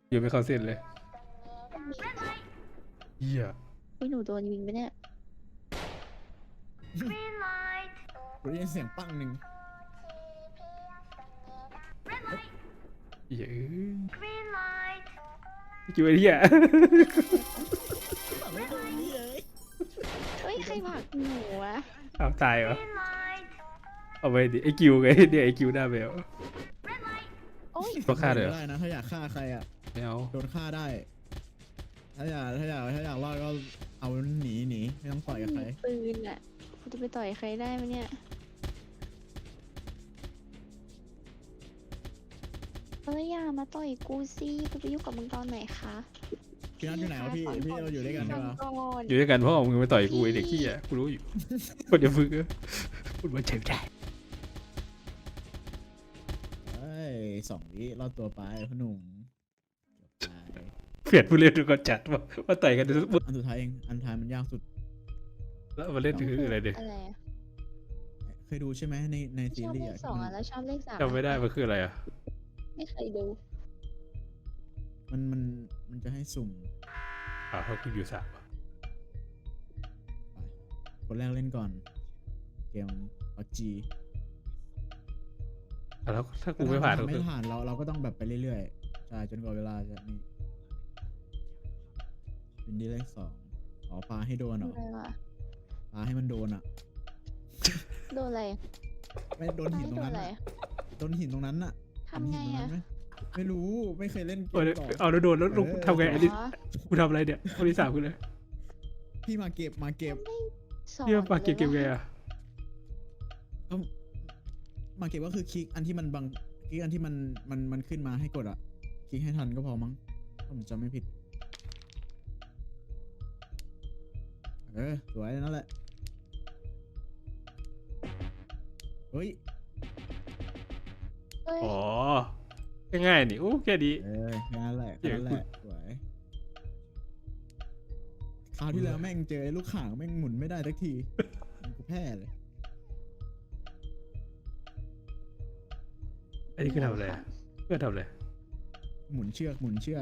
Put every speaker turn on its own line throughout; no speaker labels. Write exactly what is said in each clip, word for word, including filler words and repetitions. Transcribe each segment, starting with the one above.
อยู่ไม่เข้าเส้นเลยเหี้ย
พี่หนูโดนยิงไปเนี่ย
กูได้ยินเสียงปังหนึ่ง
เหี้ยอยู่ไอ้เหี้ย
ปังไม่โดนนี่เลย
เฮ้ยใครผลักหนูวะ
เอาตายเหรอเอาไปดิไอคิวไงเนี่ยไอคิวหน้าเบล
โอ้ย
ต้องฆ่าเลยเหรอ
ได้นะถ้าอยากฆ่าใครอ่ะ
ไม่เอา
โดนฆ่าได้ ถ้าอยากถ้าอยากถ้าอยากรอดก็เอาหนีหนีไม่ต้องต่อยกับใคร
มีปืนอ่ะกูจะไปต่อยใครได้ไหมเนี่ยเอ้ยอย่ามาต่อยกูสิกูไปยุ่งกับมึงตอนไหนคะ
พี่นัทอยู่ไหนวะพี่พี่เราอยู่ด้วยกันใช่ปะ
ก่อน
อยู่ด้วยกันเพราะเอามึงมาต่อยกูไอเด็กขี้อ่ะกูรู้อยู่คนเดียวฝึกอะพูดว่าเจ็บใจ
เฮ้ยสองวิรอดตัวไปพ่อหนุ่มจบไป
เปลี่ยนผู้เล่นดูก่อนจัดว่าว่าต่อยกันดูปุ๊บ
อันสุดท้ายเองอันท้ายมันยากสุด
แล้วมาเล่นคืออะไรเด็ก
อะไรอะ
เคยดูใช่ไหมในใน
ช
ซี
อบ
รี
เล
ส์
ข
อ่ะ
สอง
ที่
อ่ะแล้วชอบเลขสาม
จำไม่ได้มันคืออะไรอ่ะ
ไม่เคยดู
มันมันมันจะให้สุ่ม
อ้าวเขาคืออยู่สามอะ
คนแรกเล่นก่อน เกมพับจี
อ่ะแล้วถ้ากูไม่ผ่านก็
ไม่
คือ
ผ่านเราเราก็ต้องแบบไปเรื่อยๆใช่จนกว่าเวลาจะนี่เป็นดีเลขสองอ๋อปาให้โดนเหรอ
อะไรวะ
ปาให้มันโดนอ่ะ
โดนอะไร
ไม่โดนหินตรง
โดน
นั้น
อะไร
อะโดนหินตรงนั้นอ่ะ
ทำไง
เห็นหินตรง
อ่ะ
นั้นไหมไม่รู้ไม่เคยเล่นเก
เอา
ม
เดี๋ยว
ต่อ
เอาแล้วโดนแล้วลูก
เออ
ทำไงอันนี้
อ๋อ
กูทำอะไรเนี่ยคนที่สามคือเลย
พี่มาเก็บมาเก็บ
สอน
เหี้ยปากเก็บเก็บไง
ลย
อ่ะ
ก็มาเก็บก็คือคลิกอันที่มันบังคลิกอันที่มันมันมันขึ้นมาให้กดอ่ะคลิกให้ทันก็พอมั้งถ้าผมจำไม่ผิดเออสวยนั่นแหละเฮ้ย
เอ้ย
อ๋อง่ายๆนี่โอ้แค่ดี
เออแค่นั้นแหละ
เดี๋
แค่
ยว
นั้นแหละสวยคราวที่แล้วแม่งเจอไอ้ลูกข่างแม่งหมุนไม่ได้สักทีกูแพ้เลย
อันนี้คือทำอะไรอะเพื่อทำอะไร
หมุนเชือกหมุนเชือก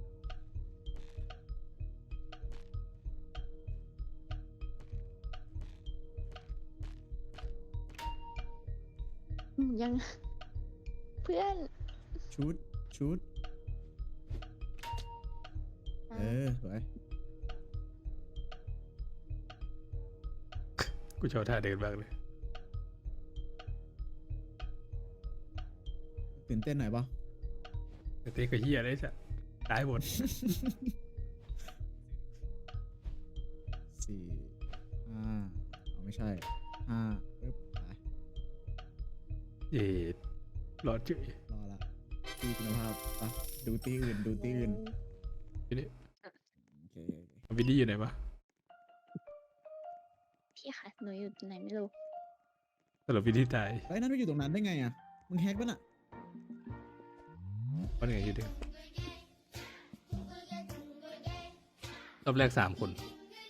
อืมยัง เพื่อน
ชุดชุดเออสวย
กูชอบท่าเดินบ้างเลย
ตื่นเต้นหน่อยปะ
แต่เต้ก็เฮียได้จ้ะตายหมด
สี่ห้าเอาไม่ใช่ห้าปึ๊บไป
เย็ดหลอดเฉย
รอละตีคุณภาพปะดูตีอื่นดูตีอื่น
ทีนี้
โอเคโอเค
วินดี้อยู่ไหนวะ
พี่ค่ะหนูอยู่ไหนไม่รู้
สรุปวินดี้ตาย
ไอ้ยนั่นไปอยู่ตรงนั้นได้ไงอ่ะมึงแฮกปะน่ะ
วันไหนอยู่เดิมรอบแรกสามคน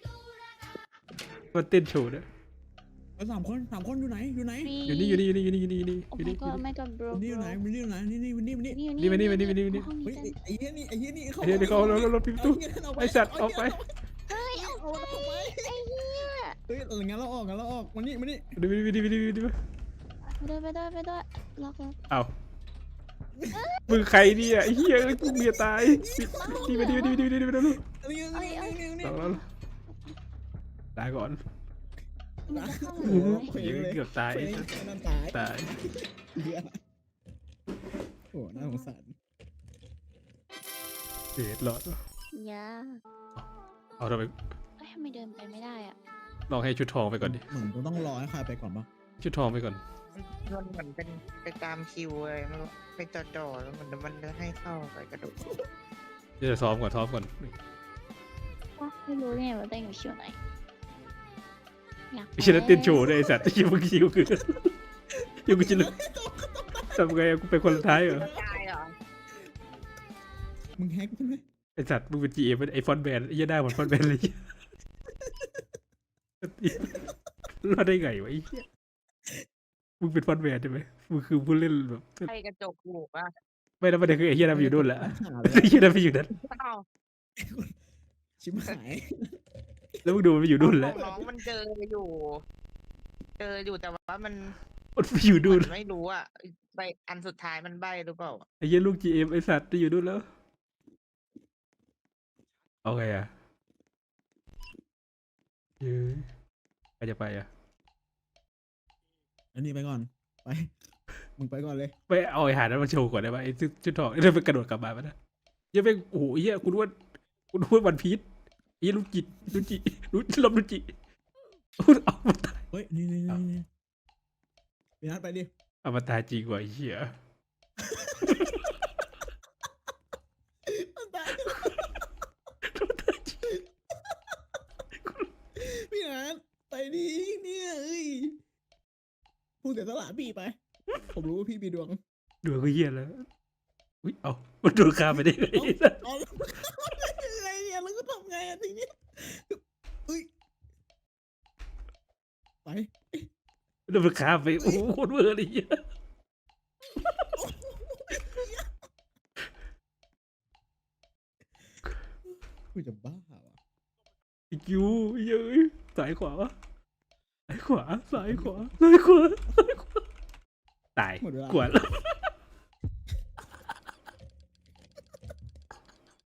ก็เต้นโชว์ด้วย
แล้วสามคนสามคนอยู่ไหนอยู่ไหน
อยู่นี่อยู่นี่อยู่นี่อยู่นี่อยู่นี่อยู่นี่
โอ้
อยู่
my
นี่
god oh my god bro
วันนี้อยู่ไหนวันนี้อยู่ไหนนี่นี่วันนี้วันนี้
อยู่
นี่มานี่มานี่มานี่มานี่
ห้อง
เฮ้ย
นี้
ไอ้ไอ้เหี้ยนี่ไอ้เหี้ยนี่เขา
ไอ้เดี๋ยวเดี๋ยวเขาแล้วแล้วปิดประตู
เา
ไอ้สัตว์ออกไป
เฮ้ยเอา
เอามันออกไป
ไอ้เหี้ย
เฮ้ยงั้นเราออกงั้นเราออกมานี่มานี่
ดูวินดี้วินดี้วินดี้วินดี้
ไปด้วยไปด้วยไปด้วยล็อกล็อก
เอามึงใครเนี่ยไอ้เหี้ยเอ้ยกูเมียตายดีมาดีมาดีมาดีมาดีมาดีมาดี
อันนี้อันนี้อันนี้อันนี้
สองแล้วตายก่อน
มันจะเข้า
โอ้
ห
โห
รือไหม
ยิงเกือบตาย
เฟ้งไอ้นั่นตาย
ตาย
เหี้ยโอ้น่าสงสาร
เสียหลอด
ยา
เอาทำไม
เอ้ยทำไมเดินไปไม่ได้อ่ะ
ลองให้ชุดทองไปก่อนดิ
เหมือนกูต้องรอให้ใครไปก่อนปะ
ชุดทองไปก่อน
มันเหมือนเป็นไปตามคิวเลยมันไปจอดๆแล้วมันมันจะให้เข้าไปกระโดด
เดี๋ยวจะซ้อมก่อนซ้อมก่อน
วะไม่รู้เนี่ยว่าเต้นอยู่คิวไหนอยาก
ไม่ใช่นักเต้นโชว์ด้วยไอ้สัตว์คิวเมื่อกี้กูคือคิวกูจะลึกทำไงอะกูเป็นคนสุดท้ายเหรอ
ตายเหรอ
มึงแฮกใช่ไหม
ไอ้สัตว์มึงเป็นจีเอ็มเป็นไอฟอนแบนไอ้เหี้ยได้หมดฟอนแบนเลยรอดได้ไงวะไอ้เหี้ยมึงเป็นฟอนแบนใช่ไหมมึงคือผู้เล่นแบบ
ใครกระจกหูกอ่ะ
ไม่แล้วประเด็นคือไอ้เฮียนั่นไปอยู่นู่นแหละ
หาเลย
ไอ้เฮียนั่นไปอยู่นั่น
อ้าว
ชิบหาย
แล้วมึงดูมันไปอยู่นู่น
ข
แล้
อ
ว
งน้องมันเจออยู่ เจออยู่แต่ว่ามัน
มันไปอยู่นู่น
มันไม่รู้อ่ะใบอันสุดท้ายมันใบหรือเปล่า
ไอ้เฮียลูกจีเอ็มไอ้สัตว์ไปอยู่นู่นแล้วเอาไงอ่ะเย้ยใครจะไปอ่ะ
อันนี้ไปก่อนไปมึงไปก่อนเลย
ไปเอาไอ้หานั้นมาโชว์ก่อนได้ไหมไอ้ชุดชุดทองไอ้นั่นไปกระโดดกลับมาปะนะเหี้ยังไปโอ้โหเฮียคุณว่าคุณว่าวันพีชไอ้เหี้ยลูกจิตลูกจิลูกลมลูกจิเอามาตาย
เฮ้ยนี่นี่นี่นี่พี่นัทไปดิ
เอามาตายจริงกว่าไอ้เฮีย
มันตายพี่นัทไปดิเนี่ยเอ้ยพูดเสียสละพี่ไป ผมรู้ว่าพี่มีดวง
ดูก็เฮียแล้วอุ้ยเอามันโดนฆ่าไปได้ไง
เอาแล้วยังไงเนี่ยแล้วก็ทำไงอ่ะทีเนี้ยเฮ้ยไป
โดนมันฆ่าไปโอ้โหโคตรเวอร์เลยเฮีย
กูจะบ้าว่ะ
ไอ้คิวเย้ยซ้ายขวาวะซ้ายขวาซ้ายขวาซ้ายขวาซ้ายขวาตาย
หมดเวลา
ขวา